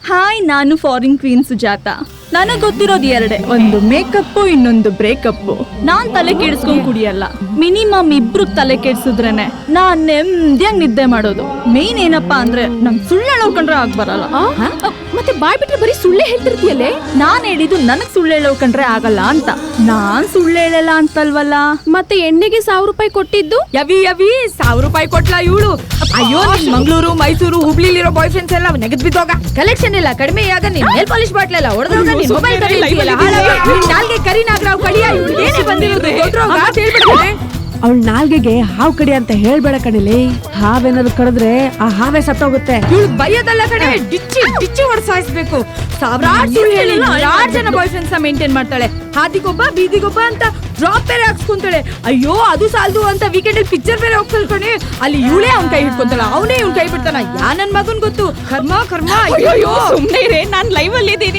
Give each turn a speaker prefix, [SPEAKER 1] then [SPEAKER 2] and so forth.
[SPEAKER 1] Hi, ನಾನು foreign queen Sujata. ನನಗ್ ಗೊತ್ತಿರೋದು ಎರಡೇ, ಒಂದು ಮೇಕಪ್, ಇನ್ನೊಂದು ಬ್ರೇಕಪ್. ನಾನ್ ತಲೆ ಕೆಡಿಸ್ಕೊಂಡ್ ಕುಡಿಯಲ್ಲ. ಮಿನಿಮಮ್ ಇಬ್ರು ತಲೆ ಕೆಡ್ಸಿದ್ರೇನೆ ನಾನ್ ನೆಮ್ಮದಿಯಾಗಿ ನಿದ್ದೆ ಮಾಡೋದು. ಮೇನ್ ಏನಪ್ಪಾ ಅಂದ್ರೆ ನಂಗ್ ಸುಳ್ಳು ಹೇಳೋಕಂಡ್ರೆ ಆಗ್ ಬರಲ್ಲ.
[SPEAKER 2] ಮತ್ತೆ ಬಾಯ್ ಬಿಟ್ರೆ ಬರೀ ಸುಳ್ಳೆ ಹೇಳ್ತಿರ್ತೀಯಲ್ಲೇ.
[SPEAKER 1] ನಾನ್ ಹೇಳಿದ್ದು ನನಗ್ ಸುಳ್ಳು ಹೇಳೋಕಂಡ್ರೆ ಆಗಲ್ಲ ಅಂತ. ನಾನ್ ಸುಳ್ಳು ಹೇಳಲ್ಲ ಅಂತಲ್ವಲ್ಲ.
[SPEAKER 2] ಮತ್ತೆ ಎಣ್ಣೆಗೆ 1000 ರೂಪಾಯಿ ಕೊಟ್ಟಿದ್ದು?
[SPEAKER 3] ಯವಿ 1000 ರೂಪಾಯಿ ಕೊಟ್ಲಾ ಇವಳು? ಅಯ್ಯೋ, ಮಂಗಳೂರು, ಮೈಸೂರು, ಹುಬ್ಳಿಲಿರೋ ಬಾಯ್ ಫ್ರೆಂಡ್ಸ್ ಎಲ್ಲ ನೆಗದ್ ಬಿದ್ದೋಗ. ಕಲೆಕ್ಷನ್ ಇಲ್ಲ ಕಡಿಮೆ ಆಗ ನಿನ್ ನೇಲ್ ಪಾಲಿಶ್ ಬಾಟ್ಲ್ ಎಲ್ಲ ಹೊಡೆದೋಗ. ನಿನ್ ಮೊಬೈಲ್ ನಾಲ್ಗೆ ಕರಿ ನಾಗರಾವ್ ಕಡಿಯ ಏನೇ ಬಂದಿರೋದು ಗೊತ್ತೋಗ ಅಂತ ಹೇಳ್ಬಿಡ್ತಾನೆ.
[SPEAKER 4] ಅವಳ ನಾಲ್ಗೆಗೆ ಹಾವು ಕಡಿ ಅಂತ ಹೇಳ್ಬೇಡ ಕಣಿಲಿ. ಹಾವೇನಾದ್ರು ಕಡಿದ್ರೆ ಆ ಹಾವೇ ಸತ್ತೋಗುತ್ತೆ.
[SPEAKER 3] ಇವಳು ಬೈಯೋದಲ್ಲ ಕಡೆ, ಡಿಚ್ಚಿ ಹೊಡ್ಸಾಯಿಸ್ಬೇಕು. ಸಾವಿರಾರು ಸುಳ್ಳು ಹೇಳಿ 6 ಜನ ಬಾಯ್ ಫ್ರೆಂಡ್ಸ್ ಮೇಂಟೈನ್ ಮಾಡ್ತಾಳೆ. ಹಾದಿಗೊಬ್ಬ ಬೀದಿಗೊಬ್ಬ ಅಂತ ಡ್ರಾಪ್ ಬೇರೆ ಹಾಕ್ಸ್ಕೊಂತಾಳೆ. ಅಯ್ಯೋ ಅದು ಸಾಲದು ಅಂತ ವೀಕೆಂಡ್ ಅಲ್ಲಿ ಪಿಕ್ಚರ್ ಬೇರೆ ಹೋಗ್ತಾಳೆ ಕಣೆ. ಅಲ್ಲಿ ಇವಳೇ ಅವ್ನ್ ಕೈ ಹಿಡ್ಕೊಂತಾಳ, ಅವನೇ ಇವ್ನ್ ಕೈ ಬಿಡ್ತಾನ. ಯಾ ನನ್ ಮಗನ್ ಗೊತ್ತು. ಕರ್ಮ.
[SPEAKER 2] ಅಯ್ಯೋ ಸುಮ್ನೆ ಇರೇ, ನಾನ್ ಲೈವ್ ಅಲ್ಲಿ ಇದ್ದೀನಿ.